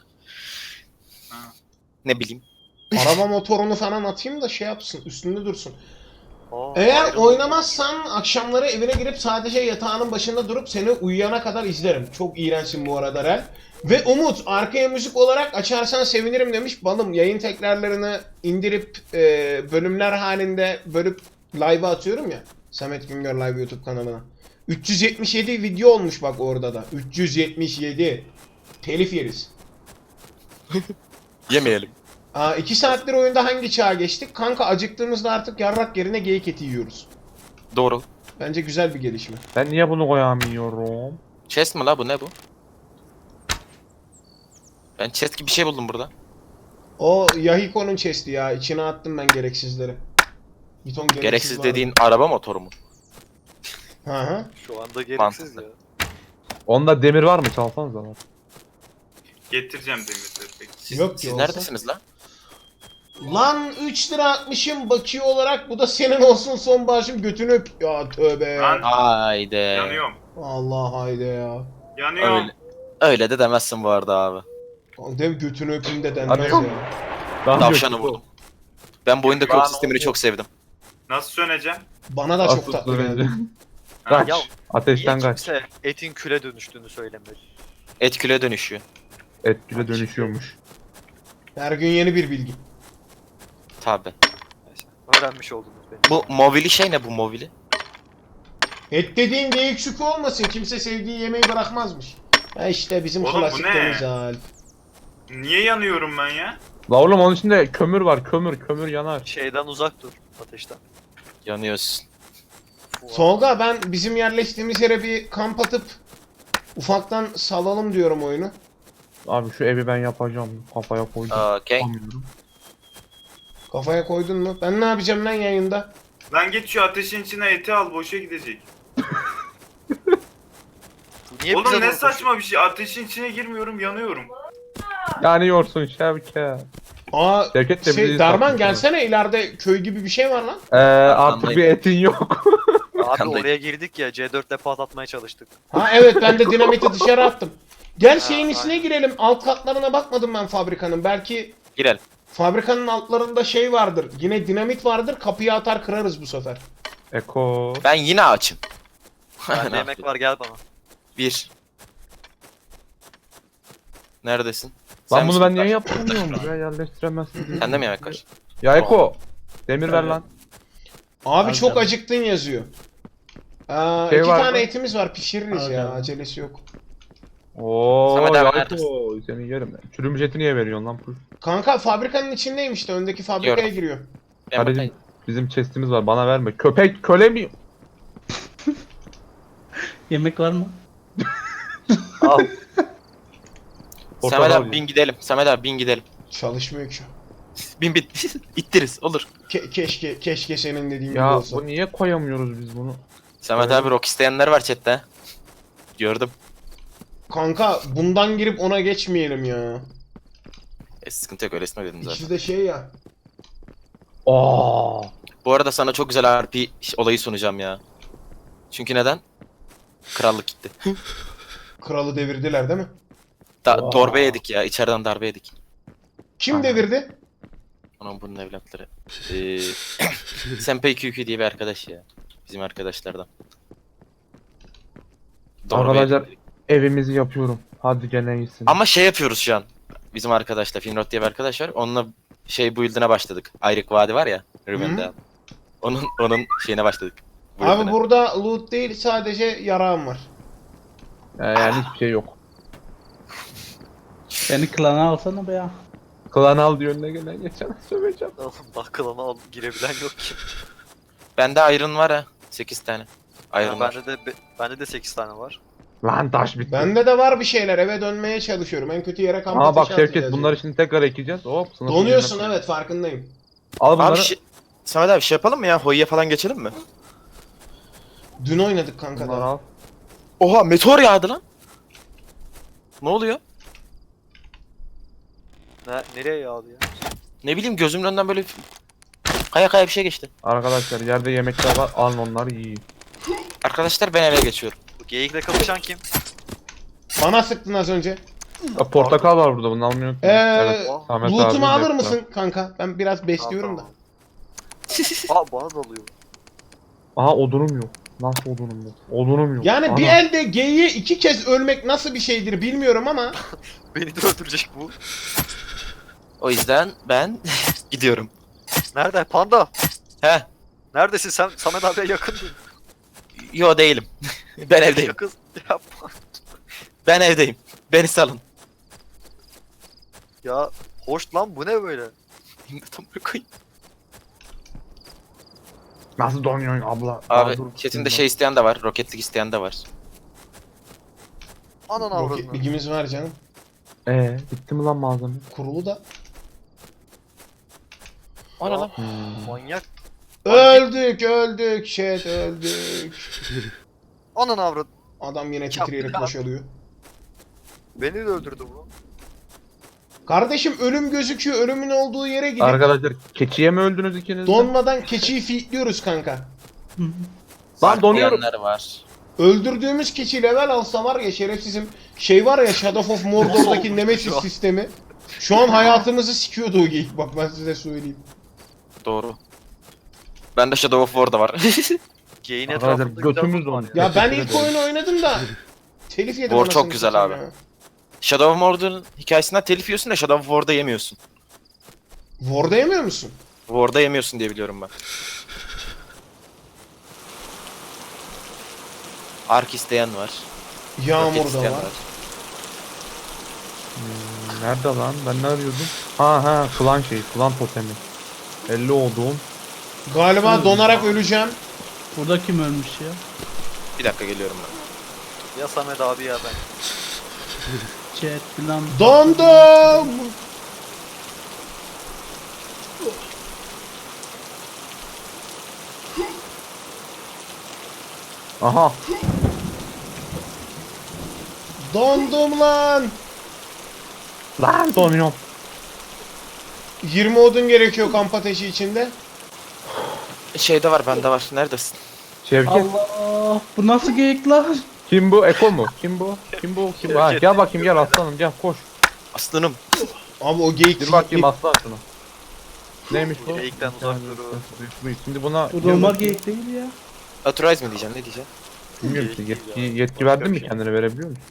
[SPEAKER 4] Ne bileyim.
[SPEAKER 2] Araba motorunu falan atayım da şey yapsın, üstünde dursun.
[SPEAKER 3] Aa,
[SPEAKER 2] Eğer
[SPEAKER 3] ayrıldı.
[SPEAKER 2] oynamazsan akşamları evine girip sadece yatağının başında durup seni uyuyana kadar izlerim. Çok iğrençsin bu arada Rel. Ve Umut, arkaya müzik olarak açarsan sevinirim demiş. Balım, yayın tekrarlarını indirip e, bölümler halinde bölüp live'a atıyorum ya. Samet Güngör Live YouTube kanalına. üç yüz yetmiş yedi video olmuş bak orada da. üç yüz yetmiş yedi. Telif yeriz.
[SPEAKER 4] Yemeyelim.
[SPEAKER 2] Aa, iki saattir oyunda hangi çağa geçtik? Kanka acıktığımızda artık yarrak yerine geyik eti yiyoruz.
[SPEAKER 4] Doğru.
[SPEAKER 2] Bence güzel bir gelişme.
[SPEAKER 1] Ben niye bunu koyamıyorum?
[SPEAKER 4] Chest mi la bu, ne bu? Ben chest gibi bir şey buldum burada.
[SPEAKER 2] O Yahiko'nun chest'i ya. İçine attım ben gereksizleri. Bir ton gereksiz,
[SPEAKER 4] Gereksiz
[SPEAKER 2] vardı.
[SPEAKER 4] dediğin araba motoru mu?
[SPEAKER 2] Hı hı.
[SPEAKER 3] Şu anda gereksiz
[SPEAKER 4] Mantıklı.
[SPEAKER 3] ya.
[SPEAKER 1] Onda demir var mı? Çalsanız da var.
[SPEAKER 5] Getireceğim demirleri peki.
[SPEAKER 4] Siz,
[SPEAKER 2] Yok ki
[SPEAKER 4] siz
[SPEAKER 2] olsa.
[SPEAKER 4] neredesiniz la?
[SPEAKER 2] Lan üç lira atmışım bakiye olarak. Bu da senin olsun son bağışım, götünü öp. Ya tövbe.
[SPEAKER 5] Lan
[SPEAKER 4] Haydi.
[SPEAKER 5] yanıyorum.
[SPEAKER 2] Allah haydi ya.
[SPEAKER 5] Yanıyorum.
[SPEAKER 4] Öyle. Öyle de demezsin bu arada abi.
[SPEAKER 2] Dev götünü öpün de denmez
[SPEAKER 1] Hadi.
[SPEAKER 2] ya.
[SPEAKER 1] Daha
[SPEAKER 4] Tavşanı
[SPEAKER 1] yok.
[SPEAKER 4] vurdum. Ben bu oyunda
[SPEAKER 5] Lan
[SPEAKER 4] kod sistemini
[SPEAKER 5] oldu.
[SPEAKER 4] çok sevdim.
[SPEAKER 5] Nasıl söneceğim?
[SPEAKER 2] Bana da çok
[SPEAKER 1] Asıl
[SPEAKER 2] tatlı
[SPEAKER 1] süreci.
[SPEAKER 2] geldi.
[SPEAKER 1] Kaç.
[SPEAKER 3] Ya,
[SPEAKER 1] Ateşten
[SPEAKER 3] Niye
[SPEAKER 1] kaç.
[SPEAKER 3] kimse etin küle dönüştüğünü söylemedi?
[SPEAKER 4] Et küle dönüşüyor.
[SPEAKER 1] Etkile dönüşüyormuş.
[SPEAKER 2] Her gün yeni bir bilgi.
[SPEAKER 4] Tabi.
[SPEAKER 3] Neyse. Öğrenmiş oldunuz beni.
[SPEAKER 4] Bu movili şey ne bu movili?
[SPEAKER 2] Et dediğin geyik şükrü olmasın. Kimse sevdiği yemeği bırakmazmış. Ha işte bizim
[SPEAKER 5] Oğlum bu
[SPEAKER 2] klasik
[SPEAKER 5] ne?
[SPEAKER 2] deniz hal.
[SPEAKER 5] Niye yanıyorum ben ya?
[SPEAKER 1] La oğlum onun içinde kömür var. Kömür kömür yanar.
[SPEAKER 3] Şeyden uzak dur. Ateşten.
[SPEAKER 4] Yanıyorsun.
[SPEAKER 2] Solga, ben bizim yerleştiğimiz yere bir kamp atıp ufaktan salalım diyorum oyunu.
[SPEAKER 1] Abi şu evi ben yapacağım. Kafaya koydum.
[SPEAKER 4] Okey.
[SPEAKER 1] Yapamıyorum.
[SPEAKER 2] Kafaya koydun mu? Ben ne yapacağım lan yayında?
[SPEAKER 5] Lan git şu ateşin içine eti al, boşa gidecek.
[SPEAKER 3] Niye bize
[SPEAKER 5] Oğlum ne
[SPEAKER 3] doğru
[SPEAKER 5] saçma bir şey. Ateşin içine girmiyorum, yanıyorum.
[SPEAKER 1] Yanıyorsun Şevket.
[SPEAKER 2] Aa,
[SPEAKER 1] Şevket de
[SPEAKER 2] şey,
[SPEAKER 1] bizi
[SPEAKER 2] Darman
[SPEAKER 1] satmış.
[SPEAKER 2] gelsene, ileride köy gibi bir şey var lan.
[SPEAKER 1] Ee, artık
[SPEAKER 4] Arkandayım.
[SPEAKER 1] bir etin yok.
[SPEAKER 3] koşuyorsun? Abi
[SPEAKER 4] Arkandayım.
[SPEAKER 3] oraya girdik ya C dört ile patlatmaya çalıştık.
[SPEAKER 2] Ha evet, ben de dinamiti dışarı attım. Gel şeyin
[SPEAKER 3] Ha,
[SPEAKER 2] içine girelim. Alt katlarına bakmadım ben fabrikanın. Belki
[SPEAKER 4] Girelim.
[SPEAKER 2] fabrikanın altlarında şey vardır. Yine dinamit vardır. Kapıyı atar kırarız bu sefer.
[SPEAKER 1] Eko.
[SPEAKER 4] Ben yine açım.
[SPEAKER 3] Bende
[SPEAKER 4] Ne
[SPEAKER 3] yemek
[SPEAKER 4] yapayım?
[SPEAKER 3] var, gel bana.
[SPEAKER 4] Bir. Neredesin?
[SPEAKER 1] Lan
[SPEAKER 4] Sen
[SPEAKER 1] bunu
[SPEAKER 4] misin?
[SPEAKER 1] ben niye yapamıyorum ya, yerleştiremezsin diye.
[SPEAKER 4] Sende mi yemek var?
[SPEAKER 1] Ya Eko. Demir ver
[SPEAKER 6] Evet.
[SPEAKER 1] lan.
[SPEAKER 2] Abi
[SPEAKER 6] Al
[SPEAKER 2] çok
[SPEAKER 6] canım.
[SPEAKER 2] acıktın yazıyor. Aa,
[SPEAKER 1] Şey
[SPEAKER 2] iki
[SPEAKER 1] var
[SPEAKER 2] tane
[SPEAKER 1] mı?
[SPEAKER 2] etimiz var, pişiririz
[SPEAKER 6] Al
[SPEAKER 2] ya.
[SPEAKER 6] canım.
[SPEAKER 2] Acelesi yok.
[SPEAKER 1] Oo,
[SPEAKER 4] Samet abi
[SPEAKER 1] ya Eko. Senin yerim. Çürümüş eti niye veriyorsun lan? Puş.
[SPEAKER 2] Kanka fabrikanın içindeyim işte. Öndeki fabrikaya
[SPEAKER 4] Diyorum.
[SPEAKER 2] giriyor.
[SPEAKER 4] Ben
[SPEAKER 1] Kardeşim
[SPEAKER 4] bakayım.
[SPEAKER 1] bizim chestimiz var, bana verme. Köpek köle mi?
[SPEAKER 6] Yemek var mı?
[SPEAKER 1] Al.
[SPEAKER 4] Samet
[SPEAKER 1] Portakal
[SPEAKER 4] abi
[SPEAKER 1] ye.
[SPEAKER 4] bin gidelim. Samet abi bin gidelim.
[SPEAKER 2] Çalışmıyor ki.
[SPEAKER 4] Bin bin. İttiriz olur.
[SPEAKER 2] Ke- keşke keşke senin dediğin gibi
[SPEAKER 1] Ya
[SPEAKER 2] olsa.
[SPEAKER 1] bu niye koyamıyoruz biz bunu?
[SPEAKER 4] Samet
[SPEAKER 1] Evet.
[SPEAKER 4] abi rock isteyenler var chatte. Gördüm.
[SPEAKER 2] Kanka bundan girip ona geçmeyelim ya.
[SPEAKER 4] E, sıkıntı yok, öylesine dedim zaten.
[SPEAKER 2] İkisi de şey ya.
[SPEAKER 1] Aa.
[SPEAKER 4] Bu arada sana çok güzel R P olayı sunacağım ya. Çünkü neden? Krallık gitti.
[SPEAKER 2] Kralı devirdiler değil mi?
[SPEAKER 4] Da
[SPEAKER 1] Wow.
[SPEAKER 4] Darbe yedik ya. İçeriden darbe yedik.
[SPEAKER 2] Kim
[SPEAKER 1] Aha.
[SPEAKER 2] devirdi?
[SPEAKER 4] Onun bunun evlatları. Ee, Senpei Q Q diye bir arkadaş ya. Bizim arkadaşlardan. Darbe
[SPEAKER 1] Arkadaşlar
[SPEAKER 4] yedik.
[SPEAKER 1] evimizi yapıyorum. Hadi gene iyisin.
[SPEAKER 4] Ama şey yapıyoruz şu an. Bizim arkadaşla Finrod diye bir arkadaş var. Onunla şey build'ine başladık. Ayrık Vadi var ya. Ruben'de. Onun onun şeyine başladık.
[SPEAKER 2] Abi
[SPEAKER 4] Build'ine.
[SPEAKER 2] burada loot değil, sadece yarağım var.
[SPEAKER 1] Ee, yani hiçbir şey yok.
[SPEAKER 6] Beni klana alsana be ya.
[SPEAKER 1] Klan al diyor, önüne gelen geçen söveceğim.
[SPEAKER 3] Oğlum bak klana al, girebilen yok ki.
[SPEAKER 4] Bende Iron var ha. sekiz tane. Iron
[SPEAKER 3] Ha,
[SPEAKER 4] var.
[SPEAKER 3] bende de be- bende de sekiz tane var.
[SPEAKER 1] Lan taş bitti.
[SPEAKER 2] Bende de var bir şeyler, eve dönmeye çalışıyorum. En kötü yere kamp
[SPEAKER 1] Aa bak
[SPEAKER 2] ateşi
[SPEAKER 1] Şevket,
[SPEAKER 2] atacağız
[SPEAKER 1] bunları
[SPEAKER 2] yani.
[SPEAKER 1] şimdi tekrar ekeceğiz. Hop sınıfın
[SPEAKER 2] Donuyorsun,
[SPEAKER 1] yerine koy.
[SPEAKER 2] evet farkındayım.
[SPEAKER 1] Al bunları.
[SPEAKER 4] Abi şey, Samet abi şey yapalım mı ya? Hoya'ya falan geçelim mi?
[SPEAKER 2] Dün oynadık kanka
[SPEAKER 1] Bunları
[SPEAKER 2] da.
[SPEAKER 1] al.
[SPEAKER 4] Oha meteor yağdı lan. Ne oluyor?
[SPEAKER 3] Ne, nereye yağdı ya?
[SPEAKER 4] Ne bileyim gözümün önünden böyle kaya kaya bir şey geçti.
[SPEAKER 1] Arkadaşlar yerde yemekler var. Alın onları yiyin.
[SPEAKER 4] Arkadaşlar ben eve geçiyorum.
[SPEAKER 3] Bu geyikle kapışan kim?
[SPEAKER 2] Bana sıktın az önce.
[SPEAKER 1] Ya, portakal var burada, bunu almıyor.
[SPEAKER 2] Ee,
[SPEAKER 1] Samet
[SPEAKER 2] loot'umu
[SPEAKER 1] abi
[SPEAKER 2] alır
[SPEAKER 1] bekle.
[SPEAKER 2] mısın kanka? Ben biraz besliyorum da.
[SPEAKER 3] Aa bana dalıyor.
[SPEAKER 1] Aha odunum yok. Nasıl odunum yok? Odunum yok.
[SPEAKER 2] Yani bir
[SPEAKER 1] Ana.
[SPEAKER 2] elde geyiğe iki kez ölmek nasıl bir şeydir bilmiyorum ama
[SPEAKER 3] Beni de öldürecek bu.
[SPEAKER 4] O yüzden ben gidiyorum.
[SPEAKER 3] Nerede? Panda.
[SPEAKER 4] He.
[SPEAKER 3] Neredesin sen? Samet abiye yakındın.
[SPEAKER 4] Yo değilim. Ben evdeyim.
[SPEAKER 3] Yakın. Yapma.
[SPEAKER 4] Ben evdeyim. Beni salın.
[SPEAKER 3] Ya hoş lan bu ne böyle?
[SPEAKER 4] Tam koyayım.
[SPEAKER 1] Nasıl donuyorsun abla?
[SPEAKER 4] Abi
[SPEAKER 1] Aa, dur,
[SPEAKER 4] chatinde
[SPEAKER 1] dur.
[SPEAKER 4] şey isteyen de var. Roketlik isteyen de var.
[SPEAKER 3] Anan
[SPEAKER 2] roket
[SPEAKER 3] avradını.
[SPEAKER 2] ligimiz var canım.
[SPEAKER 1] Ee, bitti mi lan malzeme?
[SPEAKER 2] Kurulu da.
[SPEAKER 4] O ne lan?
[SPEAKER 1] Hmm.
[SPEAKER 3] Manyak.
[SPEAKER 2] Öldük öldük shit öldük.
[SPEAKER 3] Anan avrat.
[SPEAKER 2] Adam yine
[SPEAKER 3] Ya,
[SPEAKER 2] titreyerek
[SPEAKER 3] ya.
[SPEAKER 2] boşalıyor.
[SPEAKER 3] Beni de öldürdü bu.
[SPEAKER 2] Kardeşim ölüm gözüküyor. Ölümün olduğu yere gidin.
[SPEAKER 1] Arkadaşlar keçiye mi öldünüz ikiniz de?
[SPEAKER 2] Donmadan keçiyi fitliyoruz kanka.
[SPEAKER 1] Lan donuyorum.
[SPEAKER 4] Diyenler var.
[SPEAKER 2] Öldürdüğümüz keçi level alsa var ya şerefsizim. Şey var ya Shadow of Mordor'daki Nemesis sistemi. Şu an hayatımızı sikiyordu o geyik. Bak ben size söyleyeyim.
[SPEAKER 4] Doğru. Bende Shadow of War'da var.
[SPEAKER 3] Geyin
[SPEAKER 1] Arkadaşlar,
[SPEAKER 3] etrafında
[SPEAKER 1] götümüz
[SPEAKER 3] güzel var
[SPEAKER 1] donuyor.
[SPEAKER 2] Ya ben
[SPEAKER 1] Teşekkür
[SPEAKER 2] ilk
[SPEAKER 1] ederim.
[SPEAKER 2] oyunu oynadım da telif yedim.
[SPEAKER 4] War çok
[SPEAKER 2] anasını
[SPEAKER 4] güzel
[SPEAKER 2] satayım
[SPEAKER 4] abi.
[SPEAKER 2] ya.
[SPEAKER 4] Shadow of Mordor'un hikayesinden telif yiyorsun da Shadow of War'da yemiyorsun.
[SPEAKER 2] War'da yemiyor musun?
[SPEAKER 4] War'da yemiyorsun diye biliyorum ben. Ark isteyen var. Roket
[SPEAKER 2] Yağmur da
[SPEAKER 4] isteyen
[SPEAKER 2] var.
[SPEAKER 1] Hmm, nerede lan? Ben ne arıyordum? Ha ha, klan şeyi, klan totemi. elli olduğum.
[SPEAKER 2] Galiba donarak öleceğim.
[SPEAKER 6] Burada kim ölmüş ya?
[SPEAKER 4] Bir dakika geliyorum ben.
[SPEAKER 3] Ya Samet abi ya ben.
[SPEAKER 6] Chat falan.
[SPEAKER 2] Dondum.
[SPEAKER 1] Aha.
[SPEAKER 2] Dondum lan.
[SPEAKER 1] Lan donuyorum.
[SPEAKER 2] yirmi odun gerekiyor kamp ateşi içinde.
[SPEAKER 4] Şeyde var bende var. Neredesin?
[SPEAKER 1] Şevket.
[SPEAKER 6] Allah, bu nasıl geyik lan?
[SPEAKER 1] Kim bu? Eko mu? Kim bu? Kim bu? Kim bu? Ha, gel bakayım, gel aslanım, gel koş.
[SPEAKER 4] Aslanım.
[SPEAKER 2] Abi o geyik
[SPEAKER 1] Bir bakayım aslan şuna. Neymiş bu?
[SPEAKER 3] Geyikten uzak durun.
[SPEAKER 1] Şimdi buna
[SPEAKER 6] Bu normal geyik değil ya.
[SPEAKER 4] Authorize mi diyeceğim? Ne diyeceğim?
[SPEAKER 1] bilmiyorum ki,
[SPEAKER 3] Geyik
[SPEAKER 1] yetki,
[SPEAKER 3] değil ya.
[SPEAKER 1] yetki verdin mi, kendine verebiliyor musun?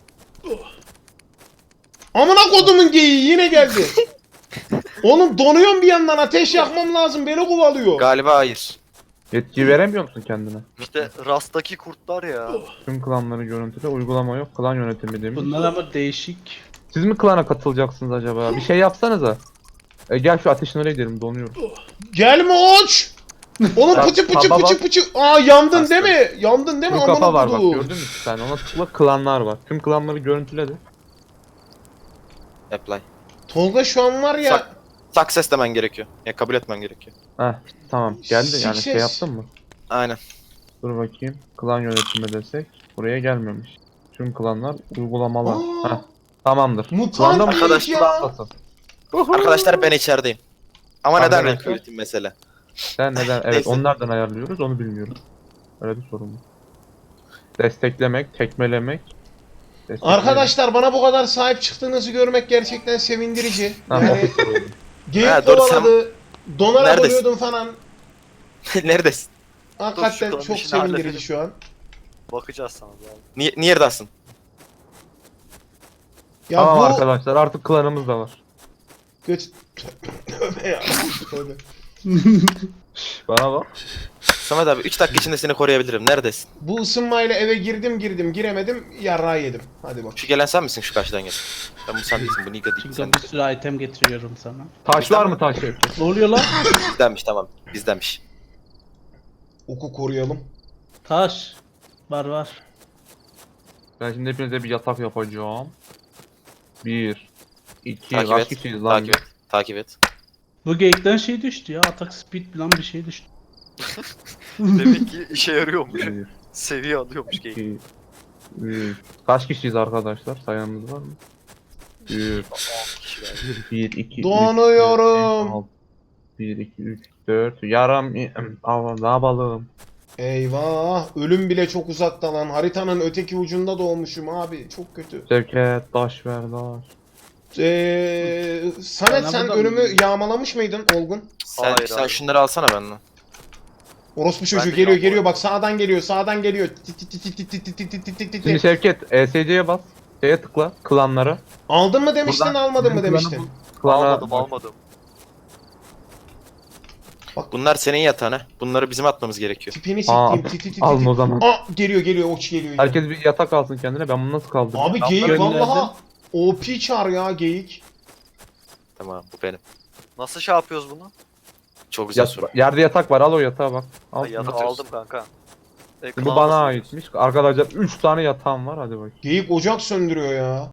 [SPEAKER 2] Amına kodumun geyiği yine geldi. Oğlum donuyorum bir yandan ateş yakmam lazım beni kovalıyor.
[SPEAKER 4] Galiba hayır.
[SPEAKER 1] Yetki veremiyor musun kendine?
[SPEAKER 3] İşte Rast'taki kurtlar ya.
[SPEAKER 1] Tüm klanları görüntüle, uygulama yok, klan yönetimi demiş.
[SPEAKER 6] Bunlar ama değişik.
[SPEAKER 1] Siz mi klana katılacaksınız acaba? Bir şey yapsanıza. E, gel şu ateşin oraya gidelim, donuyorum.
[SPEAKER 2] Gelme oç. Oğlum
[SPEAKER 1] Bak,
[SPEAKER 2] pıçı pıçı
[SPEAKER 1] kapa
[SPEAKER 2] pıçı
[SPEAKER 1] bak.
[SPEAKER 2] pıçı. Aa yandın
[SPEAKER 4] Aslan.
[SPEAKER 2] değil mi? Yandın değil mi?
[SPEAKER 1] Şu kafa
[SPEAKER 2] Amına
[SPEAKER 1] var bak,
[SPEAKER 2] koduğum.
[SPEAKER 1] gördün mü sen? Ona tıkla, klanlar var. Tüm klanları görüntüle de.
[SPEAKER 4] Apply.
[SPEAKER 2] Tolga şu an var ya.
[SPEAKER 4] Sak- Success demen gerekiyor. Ya kabul etmen gerekiyor.
[SPEAKER 1] Heh, tamam geldi yani, şey
[SPEAKER 2] Success.
[SPEAKER 1] yaptın mı?
[SPEAKER 4] Aynen.
[SPEAKER 1] Dur bakayım. Klan yönetimi desek. Buraya gelmemiş. Tüm klanlar uygulamalar.
[SPEAKER 2] Aa.
[SPEAKER 1] Heh, tamamdır.
[SPEAKER 2] Mutant
[SPEAKER 1] Klanda mı?
[SPEAKER 2] geyik
[SPEAKER 1] Arkadaş
[SPEAKER 2] ya.
[SPEAKER 1] klandasın.
[SPEAKER 4] Arkadaşlar ben içerideyim. Ama neden
[SPEAKER 1] Arkadaşlar.
[SPEAKER 4] renk yönetim mesele?
[SPEAKER 1] Sen neden? Evet,
[SPEAKER 4] Neyse.
[SPEAKER 1] onlardan ayarlıyoruz, onu bilmiyorum. Öyle bir sorun var. Desteklemek, tekmelemek. desteklemek.
[SPEAKER 2] Arkadaşlar bana bu kadar sahip çıktığınızı görmek gerçekten sevindirici.
[SPEAKER 1] Tamam.
[SPEAKER 2] Yani geyik
[SPEAKER 4] Ha, doğru, sen-
[SPEAKER 2] kovaladı. Donarak
[SPEAKER 4] Neredesin?
[SPEAKER 2] ölüyordum falan.
[SPEAKER 4] Neredesin?
[SPEAKER 2] Hakikaten
[SPEAKER 3] Dur, şu
[SPEAKER 2] çok
[SPEAKER 3] işini
[SPEAKER 2] sevindirici
[SPEAKER 3] halledelim.
[SPEAKER 2] şu an.
[SPEAKER 3] Bakacağız sana abi.
[SPEAKER 4] Niye, niye neredesin?
[SPEAKER 2] Ya
[SPEAKER 1] Tamam
[SPEAKER 2] bu
[SPEAKER 1] arkadaşlar, artık klanımız da var.
[SPEAKER 2] göt Tövbe ya. Tövbe.
[SPEAKER 1] Şş, bana bak.
[SPEAKER 4] Samet abi üç dakika içinde seni koruyabilirim. Neredesin?
[SPEAKER 2] Bu ısınmayla eve girdim girdim giremedim yarrağı yedim. Hadi bak.
[SPEAKER 4] Şu gelen sen misin şu karşıdan gel. Ben bu sen değilsin. Bu Niga değil. Sen
[SPEAKER 6] Çünkü bir sürü item getiriyorum sana.
[SPEAKER 1] Taş var mı taş Şevket?
[SPEAKER 6] Ne oluyor lan?
[SPEAKER 4] bizdenmiş tamam. Bizdenmiş.
[SPEAKER 2] Oku koruyalım.
[SPEAKER 6] Taş. Var var.
[SPEAKER 1] Ben şimdi hepinize bir yatak yapacağım. Bir. iki.
[SPEAKER 4] Takip
[SPEAKER 1] Kaç
[SPEAKER 4] et.
[SPEAKER 1] kişiyiz lan?
[SPEAKER 4] Takip et. Takip et.
[SPEAKER 6] Bu geyikten şey düştü ya. Atak speed falan bir şey düştü.
[SPEAKER 3] Demek ki işe yarıyormuş.
[SPEAKER 1] Bir,
[SPEAKER 3] Seviye alıyormuş geyik.
[SPEAKER 1] iki, üç. Kaç kişiyiz arkadaşlar? Sayanımız var mı? Bir, bir, iki, üç,
[SPEAKER 2] Donuyorum.
[SPEAKER 1] dört, beş, altı. Bir, iki, üç, dört. Yaram. Aa, ne yapalım?
[SPEAKER 2] Eyvah. Ölüm bile çok uzakta lan. Haritanın öteki ucunda doğmuşum abi. Çok kötü.
[SPEAKER 1] Şevket taş ver taş.
[SPEAKER 2] Ee, Samet
[SPEAKER 6] Bana
[SPEAKER 2] sen
[SPEAKER 6] buradan
[SPEAKER 2] önümü
[SPEAKER 6] mı?
[SPEAKER 2] yağmalamış mıydın Olgun?
[SPEAKER 4] Sen,
[SPEAKER 3] Hayır
[SPEAKER 4] sen
[SPEAKER 3] abi.
[SPEAKER 4] şunları alsana benden.
[SPEAKER 2] Orospu çocuğu
[SPEAKER 3] de
[SPEAKER 2] geliyor
[SPEAKER 3] yağmaladım.
[SPEAKER 2] geliyor bak sağdan geliyor sağdan geliyor. Tit tit tit tit tit tit tit tit tit tit tit.
[SPEAKER 1] Şimdi Şevket E S C'ye bas. Şeye tıkla. Klanlara.
[SPEAKER 2] Aldın mı demiştin
[SPEAKER 1] Buradan
[SPEAKER 2] almadın mı
[SPEAKER 1] bizim klanı
[SPEAKER 2] demiştin.
[SPEAKER 1] bul. Klana
[SPEAKER 3] Almadım almadım.
[SPEAKER 4] Bunlar senin yatağına. Bunları bizim atmamız gerekiyor.
[SPEAKER 2] Tipini
[SPEAKER 1] Aa,
[SPEAKER 2] siktiğim tit tit tit.
[SPEAKER 1] alma o
[SPEAKER 2] tit.
[SPEAKER 1] zaman.
[SPEAKER 2] Aa geliyor geliyor oç geliyor. yine.
[SPEAKER 1] Herkes bir yatak alsın kendine. Ben bunu nasıl kaldıracağım?
[SPEAKER 2] Abi
[SPEAKER 6] Ben
[SPEAKER 2] geyik
[SPEAKER 6] gönderdim.
[SPEAKER 2] vallaha O P çağır ya geyik.
[SPEAKER 4] Tamam bu benim.
[SPEAKER 3] Nasıl şey yapıyoruz bunu?
[SPEAKER 4] Çok güzel
[SPEAKER 1] Yat-
[SPEAKER 4] soru.
[SPEAKER 1] yerde yatak var. Al o yatağa bak. Al.
[SPEAKER 3] Ha, yatak
[SPEAKER 4] atıyoruz.
[SPEAKER 3] aldım kanka. E,
[SPEAKER 1] Bu
[SPEAKER 3] klan
[SPEAKER 1] bana
[SPEAKER 3] nasıl
[SPEAKER 1] aitmiş. Arkadaşlar üç tane yatağım var. Hadi bakayım.
[SPEAKER 2] Geyik ocak söndürüyor ya.